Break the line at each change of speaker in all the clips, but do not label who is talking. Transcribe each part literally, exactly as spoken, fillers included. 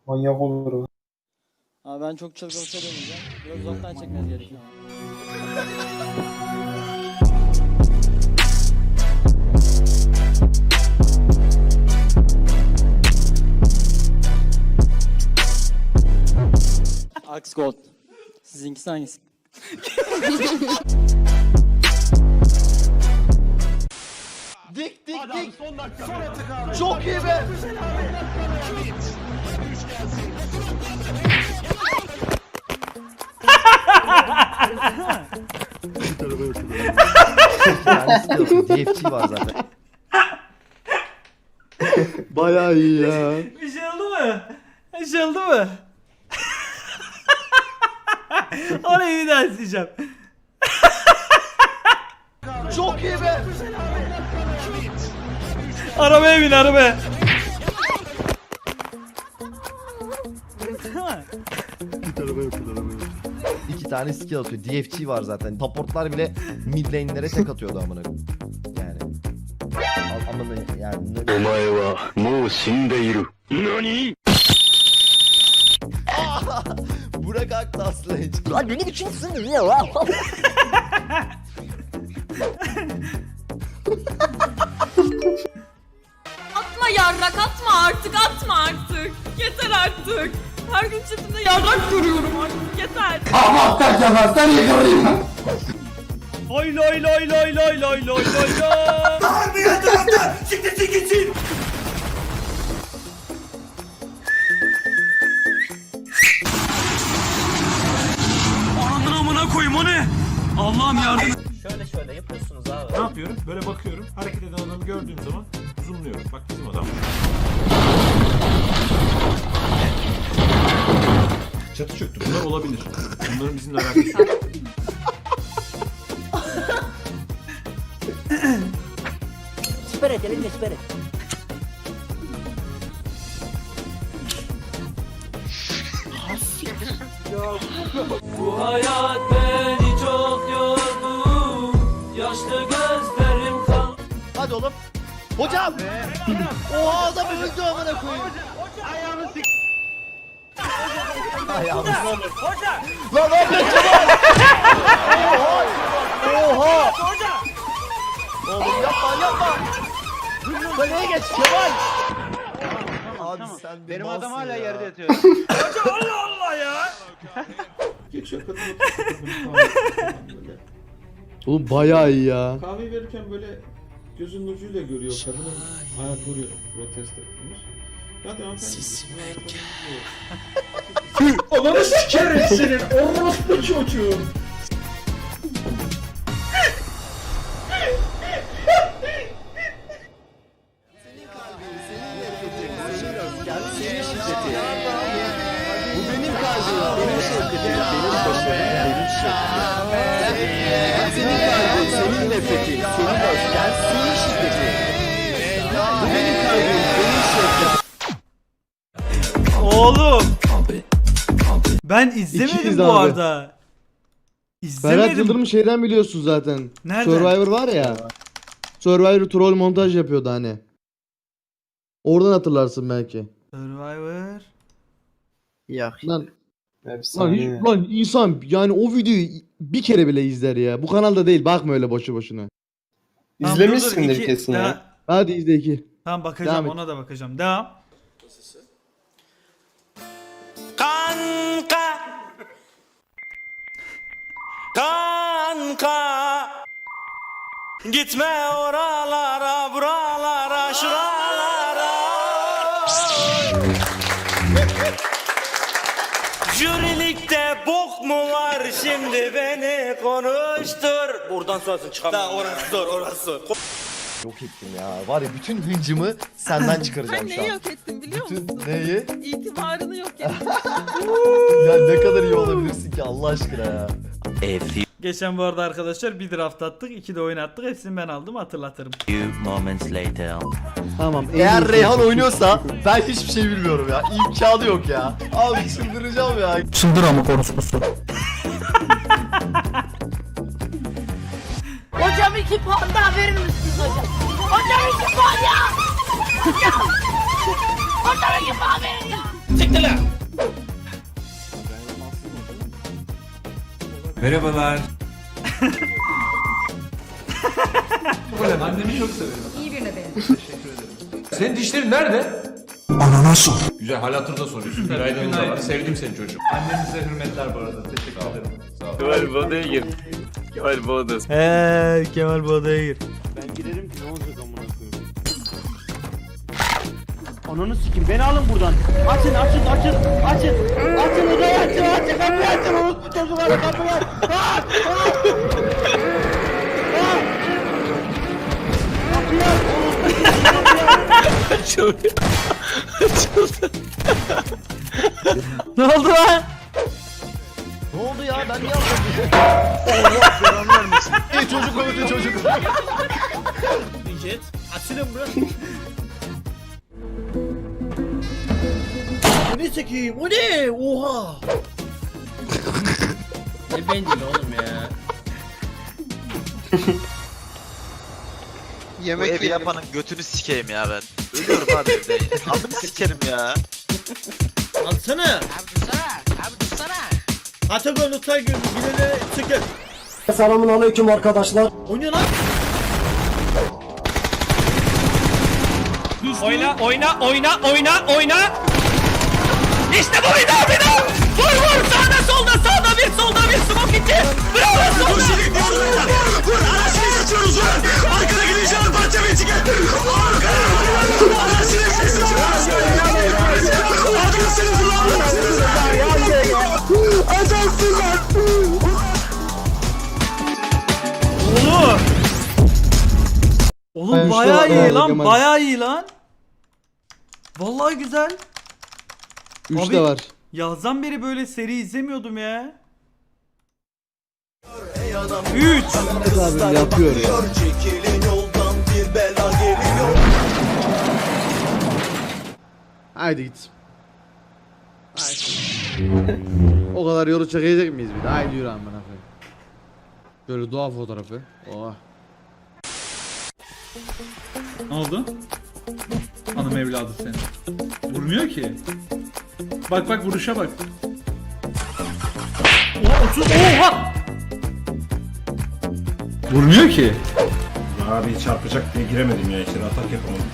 Manyak olur o.
Abi ben çok çılgın bir şey demeyeceğim. Biraz uzaktan çekmeniz gerekiyor. Axe Gold. Sizinkisi hangisi?
Dik dik dik. Çok iyi be. D F G var zaten.
Bayağı iyi ya.
Bir şey oldu mu? Bir şey oldu mu? Orayı bir daha isteyeceğim.
Çok iyi be.
Arabaya bin arabaya.
İki tane skill atıyor. D F G var zaten. Supportlar bile mid lane'lere tek atıyordu amına. Yani. Al- Amına yani.
お前はもう死んでいる。何
Burak Aktas Lane.
Lan beni bir kimsin ya lan?
Atma yarrak atma artık atma artık. Yeter artık. Her gün chatimde yarrak görüyorum artık yeter.
Lay lay lay lay lay lay lay lay lay. Harbi yatırımda siktir gitsin. Ananın amına koyayım o ne? Allah'ım yardım.
Şöyle şöyle yapıyorsunuz abi.
Ne yapıyorum? Böyle bakıyorum. Hareket eden adamı gördüğüm zaman zoomluyorum. Bak bizim adam. Çatı çöktü. Bunlar olabilir. Bunların bizimle alakası yok.
Siper et elinle siper et.
Bu hayat beni çok yordu. Yaşlı gözlerim kan.
Hadi oğlum. Hocam. Oha adam öldü amına koyayım. Ayağını sik. Ayağını sik. Hoca. Lan ne yapıyorsun? Oha. Oha. Hoca. Oğlum yapma yapma. Kaleye geç Kemal. Abi sen benim adam hala yerde yatıyor.
Hoca Allah Allah ya.
Geçiyor kadın böyle.
Oğlum bayağı iyi ya.
Kahve verirken böyle gözünün ucuyla görüyor kadının ayakları protesto etmiş. Hadi hanımefendi. Ananı sikerim senin orospu çocuğu.
Bu benim kalbim, benim şevketim, benim başarım, benim şevketim. Senin kalbin, senin nefretin, senin öfken, senin şiddetin. Bu benim kalbim, benim şevketim.
Oğlum. Ben izlemedim
İkiyiz
bu
abi.
arada.
Ferhat
İzlemedim.
Yıldırım şeyden biliyorsun zaten.
Nereden?
Survivor var ya. Survivor troll montaj yapıyordu hani. Oradan hatırlarsın belki.
Survivor.
Ya.
Lan,
Efsane.
lan, hiç, lan insan yani o videoyu bir kere bile izler ya. Bu kanalda değil, bakma öyle boşu boşuna.
Tamam, dur, dur,
İzlemişsindir
iki-
kesin
daha-
ya.
Hadi izle iki.
Tamam bakacağım,
Devam et.
ona da bakacağım. Devam. Kanka. Kanka. Gitme oralara, buralara, şuralara. Jürilikte bok mu var şimdi beni konuştur. Buradan sonrasını çıkamam. Daha orası zor, orası zor.
Yok ettim ya. Var ya bütün hıncımı senden çıkaracağım
Sen
şu
neyi
an.
yok ettin biliyor musun?
Bütün neyi?
İtibarını yok ettin.
Ya ne kadar iyi olabilirsin ki Allah aşkına ya.
Geçen bu arada arkadaşlar bir draft attık, iki de oyun attık. Hepsini ben aldım, hatırlatırım.
Tamam. en
Eğer
iyisi.
Reyhan oynuyorsa ben hiçbir şey bilmiyorum ya. İmkanı yok ya. Abi çıldıracağım ya.
Çıldır ama konuşması.
Hocam iki puan daha verir misiniz hocam? Hocam iki puan ya! Hocam! Hocam iki puan verin ya!
Siktir lan!
Merhabalar.
Annemi çok severim.
İyi birine benim.
Teşekkür ederim.
Senin dişlerin nerede? Ananas ol. Güzel hal hatırda soruyorsun. Günaydın da var. Sevdim seni çocuğum.
Annenize hürmetler bu arada. Teşekkür ederim.
Sağ ol.
Kemal bu odaya gir. Kemal bu odası.
He Kemal bu odaya gir.
Ben girerim ki ne olacak amına koyayım. Ananı sikim beni alın buradan. Açın açın açın açın. Açın odayı açın açın kapıyı açın. Orospu çocukları kapıyı aç. Aç aç. Kapıyı aç.
Açıldı. Açıldı.
Ne oldu lan?
Ne oldu ya ben niye aldım?
İyi çocuk oldu çocuk.
Jet açılın burası. Bu ne çekeyim? O ne? Oha.
Ne bencil oğlum ya.
Yemek
Bu evi yapanın götünü sikeyim ya ben. Ölüyorum abi evde. Adını sikerim ya.
Alsana. Abi dursana. Abi dursana. Atagon Utay gözü bilene çıkın.
Selamun aleyküm arkadaşlar.
O ne lan? Oyna oyna oyna oyna oyna. İşte bu bir daha bir daha. Vur vur sağda solda sağda bir solda bir smoke iki. Bravo solda. Vur anasını geçiyoruz vur. Arkada gideceğim parça bir çıkın. Anasını geçiyoruz.
Oğlum. Oğlum
Ben
bayağı
işte-
iyi
Aa,
lan,
Kemal.
bayağı iyi lan. Vallahi güzel.
üç
Abi-
de var.
Yazdan beri böyle seri izlemiyordum ya. üç.
Abi yapıyor ya. Haydi git. Haydi. O kadar yolu çekecek miyiz bir de? Haydi yürü amına koyayım. Böyle doğa fotoğrafı. Oha.
Ne oldu? Hanım evladı seni. Vurmuyor ki. Bak bak vuruşa bak. Oha otuz oha! Vurmuyor ki.
Abi çarpacak diye giremedim ya içeri. Atak yapamadım.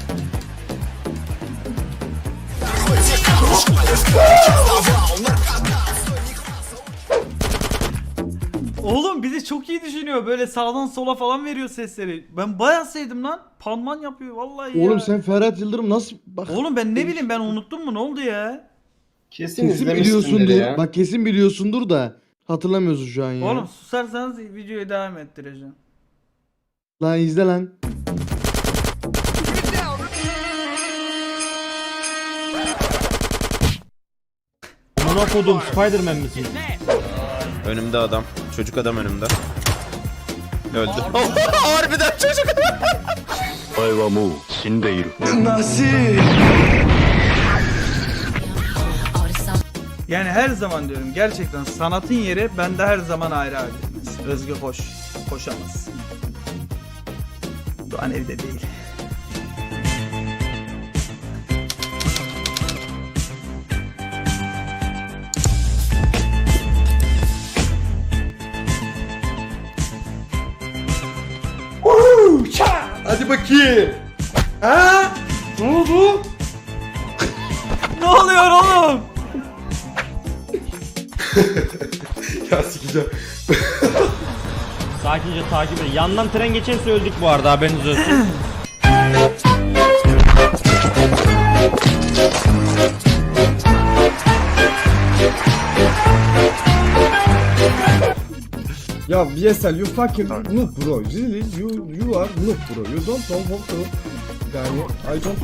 Oğlum bizi çok iyi düşünüyor. Böyle sağdan sola falan veriyor sesleri. Ben bayağı sevdim lan. Panman yapıyor vallahi ya.
Oğlum sen Ferhat Yıldırım nasıl bak
Oğlum ben ne bileyim ben unuttum mu ne oldu ya?
kesin biliyorsundur. Bak kesin biliyorsundur da hatırlamıyorsun şu an ya.
Oğlum susarsanız videoyu devam ettireceğim.
Lan izle lan.
Amına kodum Spiderman misin?
Önümde adam. Çocuk adam önümde. Öldü. Harbiden çocuk adam.
お前はもう死んでいる。
Yani her zaman diyorum gerçekten sanatın yeri bende her zaman ayrı abi. Özgü koş. Koşamaz. Doğan evde değil.
Hadi bakayım. Ha? Ne oldu?
Ne oluyor oğlum?
Ya sikeceğim.
Sakince takip edin. Yandan tren geçerse öldük bu arada haberiniz olsun.
Ya V S L you fucking noob bro. Really you you are noob bro. You don't know how to. Yani I don't.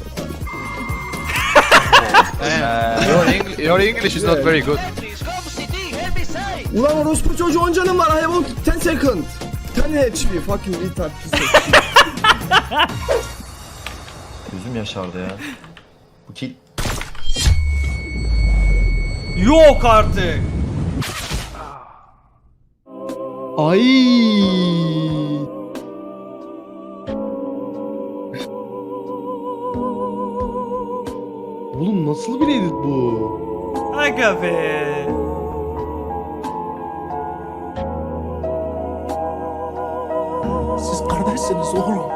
your, Eng your English is not very good.
Ulan orospu çocuğu on canım var. I have ten second. ten H P fucking retard piece of shit.
Gözüm yaşardı ya. Bu kill.
Yok artık.
Ay. Oğlum nasıl bir edit bu?
Aga be.
Siz kardeşsiniz oğlum.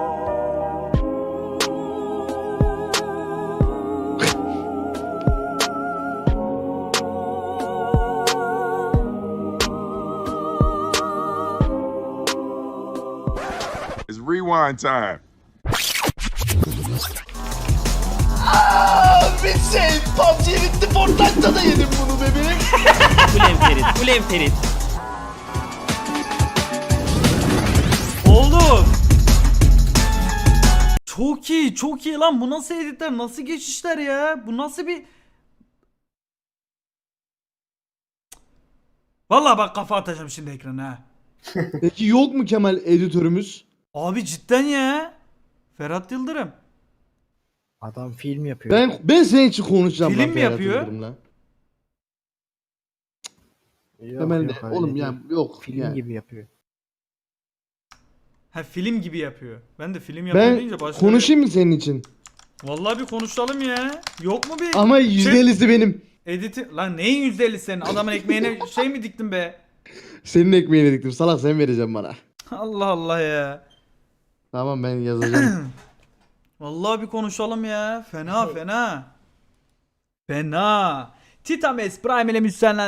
It's rewind time.
Bir şey P U B G bitti, Fortnite'da da yedim bunu bebeğim.
Ulen Ferit, ulen Ferit.
Oğlum. Çok iyi, çok iyi lan. Bu nasıl editler, nasıl geçişler ya? Bu nasıl bir... Vallahi bak kafa atacağım şimdi ekrana ha.
Peki yok mu Kemal editörümüz?
Abi cidden ya. Ferhat Yıldırım.
Adam film yapıyor.
Ben ben senin için konuşacağım.
Film
lan
mi
Ferhat
yapıyor?
Yıldırım'la.
Yok,
Kemal
yok,
de
öyle
oğlum
değil.
ya yok.
Film
yani.
gibi yapıyor.
Ha film gibi yapıyor. Ben de film yapıyor
Ben
deyince başka...
konuşayım mı senin için?
Vallahi bir konuşalım ya. Yok mu bir...
Ama yüzde ellisi benim.
Editi... Lan neyin yüzde ellisi senin? Adamın ekmeğine şey mi diktin be?
Senin ekmeğini diktim. Salak sen vereceksin bana.
Allah Allah ya.
Tamam ben yazacağım.
Vallahi bir konuşalım ya. Fena fena. Fena. Titames Prime ile müsyenlen